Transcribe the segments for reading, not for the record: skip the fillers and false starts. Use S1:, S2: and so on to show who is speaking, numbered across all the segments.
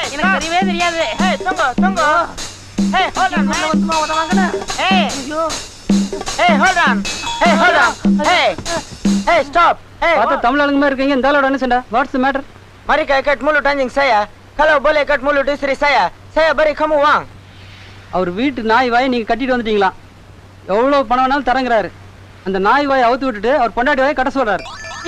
S1: எனக்கு தெரியவே தெரியாது.
S2: Hey, tunggu. Hey, hold on.
S1: வந்துமா உதவாங்கண்ணா.
S2: Hey.
S1: ஐயோ.
S2: Hey, hold on. Hey, stop. Hey.
S3: பார்த்தா தமிழ் ஆளுங்க மாதிரி இருக்கீங்க. இந்த ஆளோட என்ன சண்டை? What's the matter?
S2: Mari kau ikat mulut anjing saya. Kalau boleh ikat mulut istri saya, saya beri kamu uang.
S3: அவர் வீட்டு நாய் வாயை நீங்க கட்டிட்டு வந்துட்டீங்களா? எவ்வளவு பணம் வேணாலும் தரங்குறாரு. அந்த நாய் வாயை அவுத்து விட்டுட்டு அவர் பொண்டாட்டி வாயை கட்ட சொல்றாரு.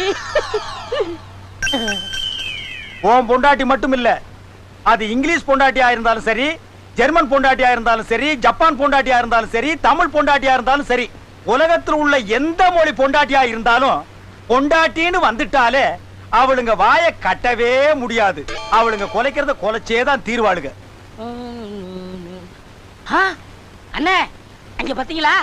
S4: உன் பொண்டாட்டி மட்டும் இல்ல, அது இங்கிலீஷ் பொண்டாட்டியா இருந்தாலும் சரி, ஜெர்மன் பொண்டாட்டியா இருந்தாலும் சரி, ஜப்பான் பொண்டாட்டியா இருந்தாலும் சரி, தமிழ் பொண்டாட்டியா இருந்தாலும் சரி, உலகத்தில் உள்ள எந்த மொழி பொண்டாட்டியா இருந்தாலும் பொண்டாட்டின்னு வந்துட்டாலே அவளுங்க வாயை கட்டவே முடியாது. அவளுங்க கொலைக்கிறத கொலைச்சேதான் தீர்வாளுங்க.
S1: அண்ணே அங்க பாத்தீங்களா?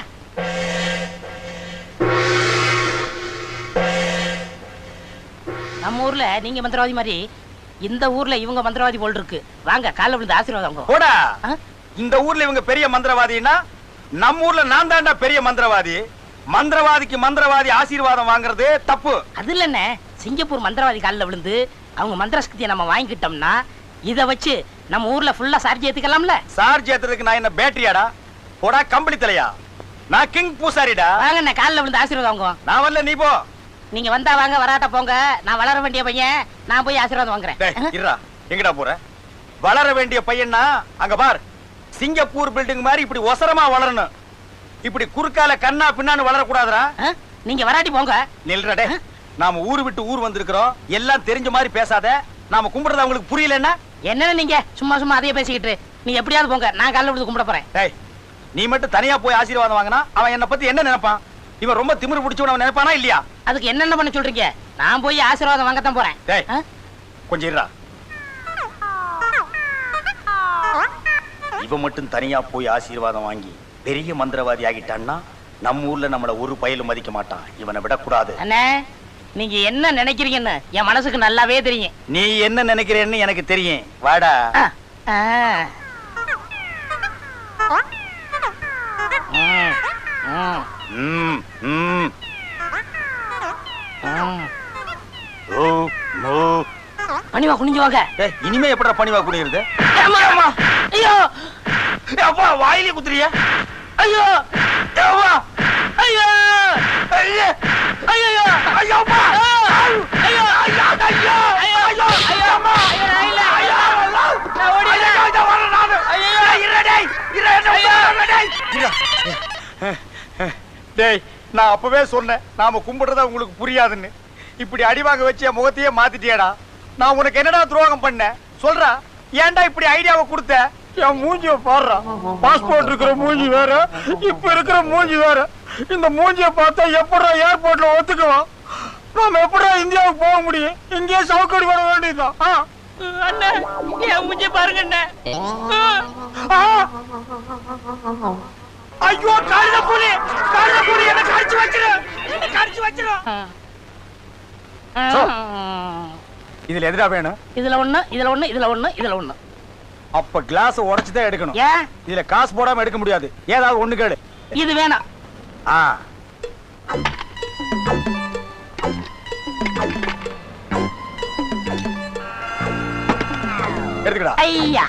S1: நம்ம ஊர்ல நீங்க மந்திரவாதி மாதிரி இந்த ஊர்ல இவங்க மந்திரவாதி போல் இருக்கு. வாங்க காலைல விழுந்து ஆசீர்வாதம்.
S4: போடா, இந்த ஊர்ல இவங்க பெரிய மந்திரவாதின்னா நம்ம ஊர்ல நான் தாண்டா பெரிய மந்திரவாதி. மந்திரவாதிக்கு மந்திரவாதி ஆசீர்வாதம் வாங்குறது தப்பு. அது
S1: இல்லண்ணே, சிங்கப்பூர் மந்திரவாதி காலில் விழுந்து அவங்க மந்திர சக்தியை நம்ம வாங்கிக்கிட்டோம்னா இதை வச்சு நம்ம ஊர்ல ஃபுல்லா சார்ஜ் ஏத்துக்கலாம்ல.
S4: சார்ஜ் ஏத்துறதுக்கு நான் என்ன பேட்டரியாடா? போடா கம்பளி தலையா, நான் கிங் பூசாரிடா.
S1: வாங்கண்ணே காலில் விழுந்து ஆசீர்வாதம் வாங்குவோம்.
S4: நான் வரல, நீ போ.
S1: நீங்க வந்தா வாங்க, வராட்ட போங்க. நான் வளர வேண்டிய பையன், நான் போய் ஆசீர்வாதம் வாங்குறேன்.
S4: இருடா, எங்கடா போற? வளர வேண்டிய பையன்னா அங்க பார், சிங்கப்பூர் பில்டிங் மாதிரி இப்படி ஒசரமா வளரணும். இப்படி குறுக்கால கண்ணா பின்னான்னு வளரக்கூடாதுடா.
S1: நீங்க வராட்டி போங்க.
S4: நில்றடே, நாம ஊரு விட்டு ஊர் வந்திருக்கிறோம். எல்லாம் தெரிஞ்ச மாதிரி பேசாத. நாம கும்பிடுறது அவங்களுக்கு புரியலன்னா
S1: என்ன? நீங்க சும்மா சும்மா அதையே பேசிக்கிட்டு நீங்க எப்படியாவது போங்க. நான் காலைல விழுந்து கும்பிட போறேன்.
S4: டேய், நீ மட்டும் தனியா போய் ஆசீர்வாதம் வாங்கினா அவன் என்ன பத்தி என்ன நினைப்பான்? இவன் ரொம்ப திமிரு பிடிச்சவன் அவன் நினைப்பானா இல்லையா?
S1: அதுக்கு என்னென்ன பண்ண சொல்றீங்க? நான் போய் ஆசீர்வாதம் வாங்கத்தான் போறேன்.
S4: டேய் கொஞ்சம் இருடா. இவன் மட்டும் தனியா போய் ஆசீர்வாதம் வாங்கி பெரிய மந்திரவாதி ஆகிட்டான்னா நம்ம ஊர்ல நம்மள ஒரு பயலும் மதிக்க மாட்டான். இவனை விடக்கூடாது.
S1: அண்ணே, நீங்க என்ன நினைக்கிறீங்கன்னு என் மனசுக்கு நல்லாவே தெரியும்.
S4: நீ என்ன நினைக்கிறேன்னு எனக்கு தெரியும். வாடா.
S1: பணிவா குனிஞ்சு வாங்க.
S4: இனிமே எப்படா பணிவா குனியுறது?
S1: ஐயோ
S4: அப்பா, வாயிலே குத்துறிய?
S1: ஐயோ
S4: அப்பா,
S1: ஐயோ
S4: ஐயோ
S1: ஐயோ
S4: ஐயோ அப்பா,
S1: ஐயோ ஐயோ ஐயோ ஐயோ அம்மா, ஐயோ ஐயோ நான் ஓடிறேன்.
S4: ஐயோ வரேன் நான். ஐயோ இரடே டேய், நான் அப்பவே சொன்னேன் நாம கும்பிடுறத உங்களுக்கு புரியாதுன்னு. இப்படி அடிவாங்க வச்சு என் முகத்தையே மாத்திட்டியடா. நான் உனக்கு என்னடா துரோகம் பண்ணேன் சொல்றா? ஏன்டா இப்படி ஐடியாவை கொடுத்த? என் மூஞ்சிய பாடுறா. பாஸ்போர்ட் இருக்கிற மூஞ்சி வேற, இப்ப இருக்கிற மூஞ்சி வேற. இந்த மூஞ்சிய பார்த்தா எப்படா ஏர்போர்ட்ல ஒத்துக்குவான்? நாம எப்படா இந்தியாவுக்கு போக முடியும்? இங்கேயே சவுக்கடி வர வேண்டியதுதான்.
S1: அண்ணே, என் மூஞ்சி பாருங்க அண்ணே.
S4: ஐயோ காலில புலி என்ன கடிச்சு வச்சிரு. இதுல எதுடா வேணும்?
S1: இதுல ஒண்ணு, இதுல ஒண்ணு, இதுல ஒண்ணு, இதுல ஒண்ணு.
S4: அப்ப கிளாஸ் உடைச்சுதான் எடுக்கணும்.
S1: ஏன்?
S4: இதுல காசு போடாம எடுக்க முடியாது. ஏதாவது ஒண்ணு கேடு.
S1: இது வேணாம்.
S4: எடுக்கடா.
S1: ஐயா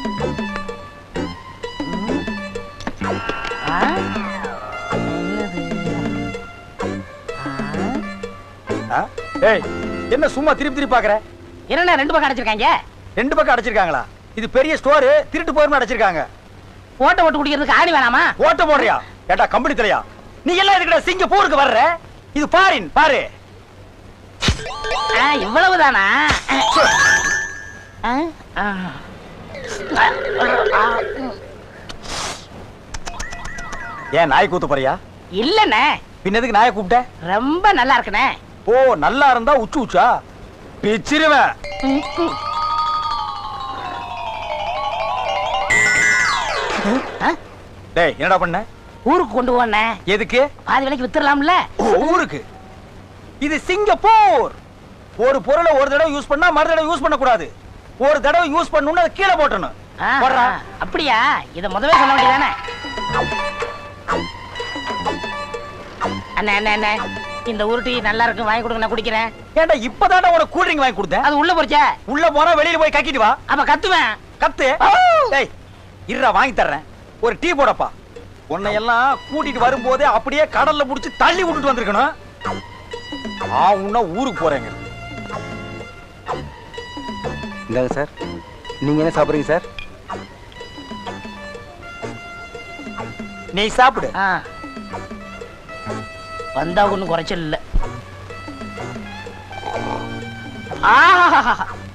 S4: ஏய், என்ன சும்மா திருப்பி பாக்குற?
S1: என்ன ரெண்டு பக்கம் அடைச்சிருக்காங்க?
S4: ரெண்டு பக்கம் அடைச்சிருக்காங்களா? இது பெரிய ஸ்டோர், திருட்டு போயிருமா அடைச்சிருக்காங்க.
S1: ஓட்ட ஓட்டு குடிக்கிறதுக்கு ஆணி வேணாமா?
S4: ஓட்ட போடுறியா? ஏட்டா கம்பெனி தலையா, நீ எல்லாம் எதுக்குடா சிங்கப்பூருக்கு வர்ற? இது பாரின் பாரு.
S1: இவ்வளவுதானா?
S4: ஏன் நாய் கூத்து போறியா?
S1: இல்லண்ணே.
S4: பின்னதுக்கு நாயை கூப்பிட்ட?
S1: ரொம்ப நல்லா இருக்குண்ணே.
S4: ஓ, நல்லா இருந்தா உச்சா பிச்சிருவேன். டேய், என்னடா பண்ண?
S1: ஊருக்கு கொண்டு போனே.
S4: எதுக்கு?
S1: பாதி விலைக்கு வித்துறலாம்ல.
S4: ஊருக்கு? இது சிங்கப்பூர். ஒரு பொருளை ஒரு தடவை யூஸ் பண்ணா மறு தடவை யூஸ் பண்ண கூடாது. ஒரு தடவை யூஸ் பண்ணனும்னா அதை கீழே போடணும்.
S1: அப்படியா? இத முதவே சொல்ல வேண்டியதானே? அண்ணே அண்ணே அண்ணே, இந்த உருட்டி நல்லா இருக்கு, வாங்கி கொடுங்க, நான் குடிக்கிறேன்.
S4: ஏன்டா இப்பதான்டா உனக்கு கூல் ட்ரிங்க் வாங்கி கொடுத்தேன்.
S1: அது உள்ள போச்சே.
S4: உள்ள போனா வெளியில போய் கக்கிட்டு வா.
S1: அப்ப கத்துவேன்.
S4: கத்து. டேய் இருடா வாங்கி தர்றேன். ஒரு டீ போடப்பா. உன்னை எல்லாம் கூட்டிட்டு வரும்போதே அப்படியே கடல்ல புடிச்சு தள்ளி விட்டுட்டு வந்திருக்கணும். உன்ன ஊருக்கு போறேங்க.
S2: இந்தாங்க சார். நீங்க என்ன சாப்பிடுறீங்க சார்?
S4: நீ சாப்பிடு.
S1: வந்தா ஒண்ணும் குறைச்சல் இல்ல. ஆஹா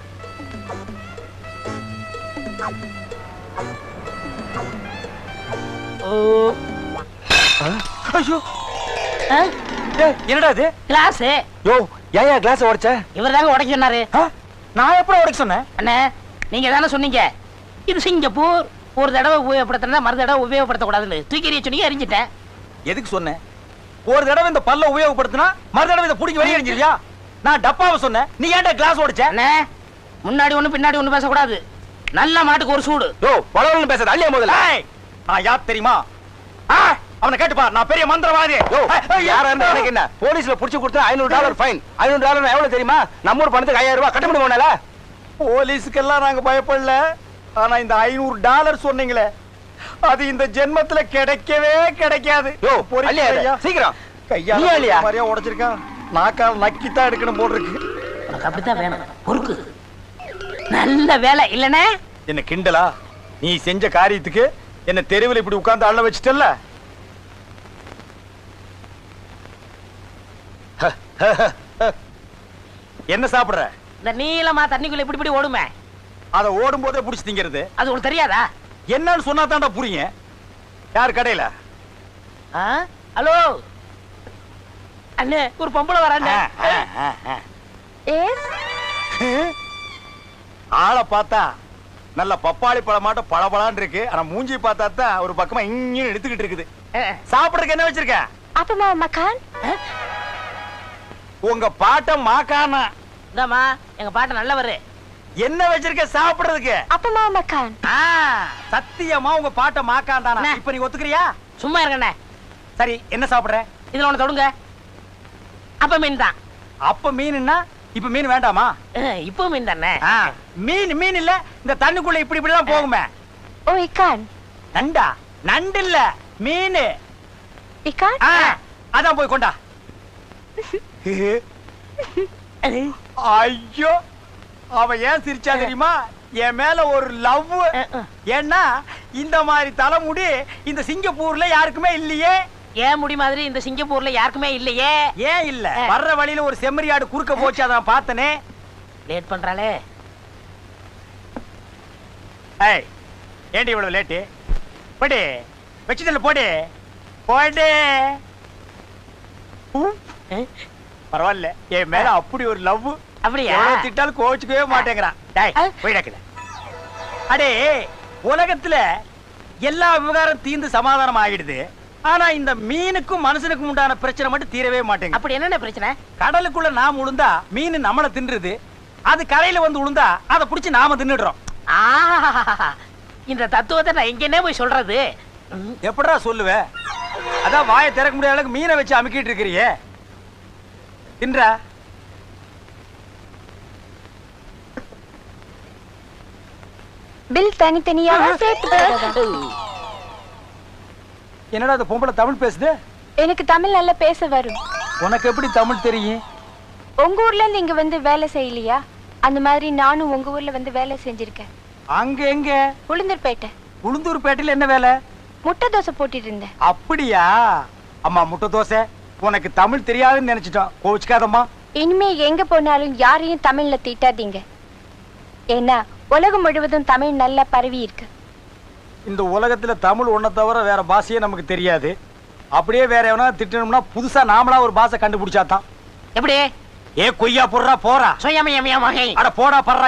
S4: ஐயோ என்னடா இது?
S1: கிளாஸ்.
S2: யோ ஏன் கிளாஸ் உடைச்ச?
S1: இவர் தாங்க உடைக்க சொன்னாரு.
S4: நான் எப்ப உடைக்க சொன்னேன்?
S1: அண்ணே நீங்க தானே சொன்னீங்க இது சிங்கப்பூர், ஒரு தடவை உபயோகப்படுத்தினா மறு தடவை உபயோகப்படுத்த கூடாதுன்னு. தூக்கி எறிய சொன்னீங்க, எரிஞ்சிட்டேன்.
S4: எதுக்கு சொன்னேன்? ஒரு தடவை இந்த பல்ல உபயோகப்படுத்தினா மறு தடவை இதை பிடிக்க வெளியே எரிஞ்சிருவியா? நான் டப்பாவை சொன்னேன், நீ ஏன்டா கிளாஸ் உடைச்ச?
S1: அண்ணே முன்னாடி ஒண்ணு பின்னாடி ஒண்ணு பேசக்கூடாது. நல்ல மாட்டுக்கு ஒரு சூடு.
S2: யோ பலவன் பேசாத, அள்ளியா முதல்ல.
S4: நான் யார் தெரியுமா? அவனை கேட்டுப்பா, நான் பெரிய மந்திரவாதி.
S2: யோ யாரா இருந்தா எனக்கு என்ன? போலீஸ்ல புடிச்சு கொடுத்தா $500 ஃபைன். $500 எவ்வளவு தெரியுமா? நம்ம ஊர் பணத்துக்கு $5000 கட்ட முடியுமால?
S4: போலீஸுக்கெல்லாம் நாங்க பயப்படல. ஆனா இந்த $500 சொன்னீங்களே, அது இந்த ஜென்மத்துல கிடைக்கவே கிடைக்காது.
S2: யோ
S4: பொறுமையா
S2: அள்ளியா சீக்கிரம்.
S4: கையால
S2: நீ அள்ளியா?
S4: மாதிரியா உடைச்சிருக்கான். நாக்கால் நக்கித்தான் எடுக்கணும் போல் இருக்கு.
S1: உனக்கு அப்படித்தான் வேணும். பொறுக்கு. நல்ல வேலை இல்லனே.
S4: என்ன கிண்டலா? நீ செஞ்ச காரியத்துக்கு என்ன தெருவில் இப்படி உட்கார்ந்து அள்ள வச்சிட்டல்ல? என்ன சாப்பிடுற?
S1: இந்த நீளமா தண்ணிக்குள்ள இப்படி இப்படி ஓடுமே,
S4: அத ஓடும் போதே புடிச்சு திங்கிறது.
S1: அது உங்களுக்கு தெரியாதா?
S4: என்னன்னு சொன்னா தான்டா புரியுங்க. யார் கடையில?
S1: ஹலோ அண்ணே, ஒரு பொம்பளை வரானே.
S4: ஆளை பார்த்தா நல்ல பப்பாளி பழமாட்ட பளபளான்னு இருக்கு. ஆனா மூஞ்சி பார்த்தா தான் ஒரு பக்கமா இங்க எடுத்துக்கிட்டு இருக்குது. சாப்பிடுறதுக்கு என்ன வச்சிருக்க?
S5: அப்பமா மக்கான்.
S4: உங்க பாட்ட மாக்கானா?
S1: இந்தாமா எங்க பாட்ட நல்லவரு.
S4: என்ன வச்சிருக்க சாப்பிடுறதுக்கு?
S5: அப்பமா மக்கான்.
S4: சத்தியமா உங்க பாட்ட மாக்கான் தானா? இப்ப நீ ஒத்துக்கிறியா?
S1: சும்மா இருக்கண்ணே.
S4: சரி என்ன சாப்பிடுற?
S1: இதுல ஒண்ணு தொடுங்க. அப்ப மீன் தான்.
S4: அப்ப மீன்னா இப்ப மீன் வேண்டாமா?
S1: இப்போ மீன் தானே.
S4: மீன் இல்ல, இந்த தண்ணிக்குள்ள இப்படி இப்படி எல்லாம் போகுமே.
S5: ஓ இக்கான்.
S4: நண்டா? நண்டு இல்ல, மீன்.
S5: இக்கான்?
S4: அதான் போய் கொண்டா. ஐயோ அவ ஏன் சிரிச்சா தெரியுமா? என் மேல ஒரு லவ். ஏன்னா இந்த மாதிரி தலைமுடி இந்த சிங்கப்பூர்ல யாருக்குமே இல்லையே.
S1: ஏன் முடி மாதிரி இந்த சிங்கப்பூர்ல யாருக்குமே இல்லையே.
S4: ஏன் இல்ல? வர்ற வழியில ஒரு செம்மறியாடு குறுக்க போச்சு, அதான் பார்த்தனே.
S1: லேட் பண்றாளே.
S4: ஏய் ஏண்டி இவ்வளவு லேட்டு? போடி வச்சுதல்ல, போடி போடி. பரவாயில்ல, என் மேல அப்படி ஒரு லவ்.
S1: அப்படியா?
S4: திட்டாலும் கோச்சுக்கவே மாட்டேங்கிறான். போயிடக்கல. அடே உலகத்துல எல்லா விவகாரம் தீர்ந்து சமாதானம் ஆகிடுது. ஆனா இந்த மீனுக்கும் மனுஷனுக்கும் உண்டான பிரச்சனை மட்டும் தீரவே மாட்டேங்குது.
S1: அப்படி என்னென்ன பிரச்சனை?
S4: கடலுக்குள்ள நாம உளுந்தா மீன் நம்மள தின்றுது. அது கரையில வந்து உளுந்தா அதை புடிச்சு நாம தின்னுடுறோம்.
S1: இந்த தத்துவத்தை நான் எங்கன்னே போய் சொல்றது?
S4: எப்படா சொல்லுவ? அதான் வாயை திறக்க முடியாத அளவுக்கு மீனை வச்சு அமுக்கிட்டு இருக்கிறியே. தின்றா?
S5: பில் தனித்தனியாக சேர்த்து போடுறதா?
S4: என்னடா அந்த பொம்பளை தமிழ் பேசுது?
S5: எனக்கு தமிழ் நல்லா பேச வரும்.
S4: உனக்கு எப்படி தமிழ் தெரியும்?
S5: உங்க ஊர்ல இருந்து இங்க வந்து வேலை செய்யலையா? அந்த மாதிரி நானும் உங்க ஊர்ல வந்து வேலை செஞ்சிருக்கேன்.
S4: அங்க எங்க?
S5: உளுந்தூர்பேட்டை.
S4: உளுந்தூர்பேட்டையில என்ன வேலை?
S5: முட்டை தோசை போட்டுட்டு இருந்தேன்.
S4: அப்படியா? அம்மா முட்டை தோசை. உனக்கு தமிழ் தெரியாதுன்னு நினைச்சிட்டோம், கோவிச்சுக்காதம்மா.
S5: இனிமே எங்க போனாலும் யாரையும் தமிழ்ல திட்டாதீங்க. ஏன்னா உலகம் முழுவதும் தமிழ் நல்லா பரவி இருக்கு.
S4: இந்த உலகத்துல தமிழ் ஒன்ன தவிர வேற பாஷையே நமக்கு தெரியாது. அப்படியே வேற எவனா திட்டணும்னா புதுசா நாமளா ஒரு பாஷை கண்டுபிடிச்சாதான்.
S1: எப்படி?
S4: ஏ கொய்யா போடுறா போறா.
S1: சுயமயமயமாக.
S4: அட போடா படுறா.